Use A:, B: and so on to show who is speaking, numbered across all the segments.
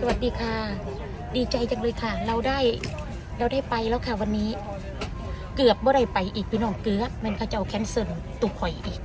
A: สวัสดีค่ะ ดีใจจังเลยค่ะ เราได้ไปแล้วค่ะวันนี้ เกือบบ่ได้ไปอีกพี่น้องเกือบมันเขาเจ้าแคนเซิลตุกข่อยอีก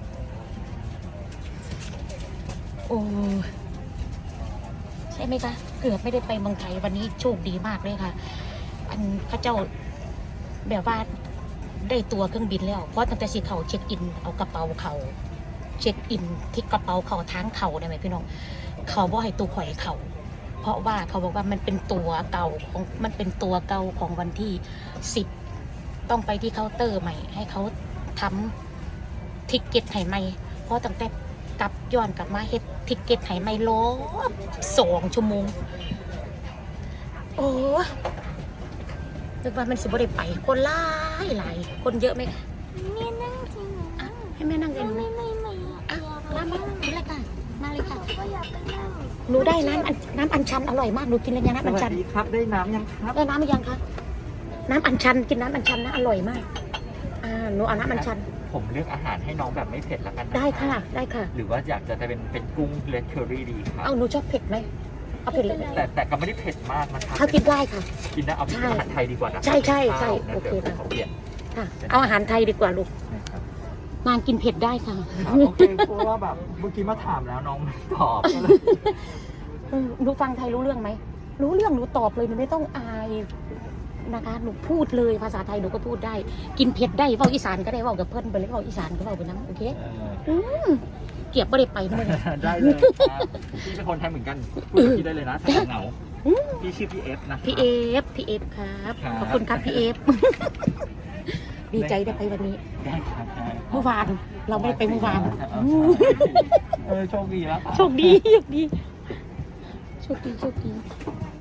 A: โอ้ใช่ไหมคะเกือบไม่ได้ไปเมืองไทยวันนี้โชคดีมากเลยค่ะ อันเขาเจ้าแบบว่าได้ตัวเครื่องบินแล้วเพราะตั้งแต่สิเขาเช็คอินเอากระเป๋าเขาเช็คอินที่กระเป๋าเขาทางเขาได้ไหมพี่น้องเขาบอกให้ตัวข่อยเขาเพราะว่าเขาบอกว่ามันเป็นตัวเก่าของวันที่10ต้องไปที่เคาน์เตอร์ใหม่ให้เขาทำทิกเก็ตให้ใหม่เพราะตั้งแต่กลับย้อนกลับมาเฮ็ดทิกเก็ตให้ใหม่รอบ2 ชั่วโมงโอ้นึกว่ามันสิบ่ได้ไปคนหลายคนเยอะไหมคะ
B: แม่นั่งจริงเหรอ
A: ให้แม่นั่งเองไหม
B: ไม่
A: อ่ะมาเลยค่ะมาเลยค่ะ
B: ก็อยากไปนั่ง
A: หนูได้น้ำอัญชันอร่อยมากหนูกินแล้วยังน้ำอัญชัน
C: สวัสดีครับได้น้ำยังครับ
A: ได้น้ำหรือยังคะน้ำอัญชันกินน้ำอัญชันนะอร่อยมากหนูเอาน้ำอัญชัน
C: ผมเลือกอาหารให้น้องแบบไม่เผ็ดละกันนะ
A: ได้ค่ะได้ค่ะ
C: หรือว่าอยากจะเป็นกุ้งเลดเคอรี่ดีครับ
A: เอาหนูชอบเผ็ดไหมเอาเผ็ดเลย
C: แต่ก็ไม่ได้เผ็ดมากนะครับ
A: ถ้ากินได้ค่ะ
C: กินได้เอาเป็นอาหารไทยดีกว่านะ
A: ใช่
C: นะ
A: โอเค
C: เดี๋ยว
A: ค่ะ
C: เขาเปลี่ยน
A: ค่ะเอาอาหารไทยดีกว่าลูก
C: นะครับ
A: นางกินเผ็ดได้ค่ะ
C: โอเคเพราะว่าแบบเมื่อกี้มาถามแล้วน้องไม่ตอบก็เลย
A: หนูฟังไทยรู้เรื่องไหมรู้เรื่องหนูตอบเลยหนูไม่ต้องอายนะคะหนูพูดเลยภาษาไทยหนูก็พูดได้ กินเผ็ดได้เว้าอีสานก็ได้เว้ากับเพิ่นไปเลยเว้าอีสานก็เว้าไปนั้นโอเคเกียบไม่ได้ไปนะมึง
C: ได้เลยครับพี่เป็นคนไทยเหมือนกันพูดกับพี่ได้เลยนะถ้าเหงาพี่ชื่อพี่เอฟนะ
A: พี่เอฟครับขอบคุณครับพี่เอฟดีใจได้ไปวันนี้
C: ได้ครับได้
A: เมื่อวานเราไม่ได้ไปเมื่อวาน
C: โชคดีแล้ว
A: โชคดี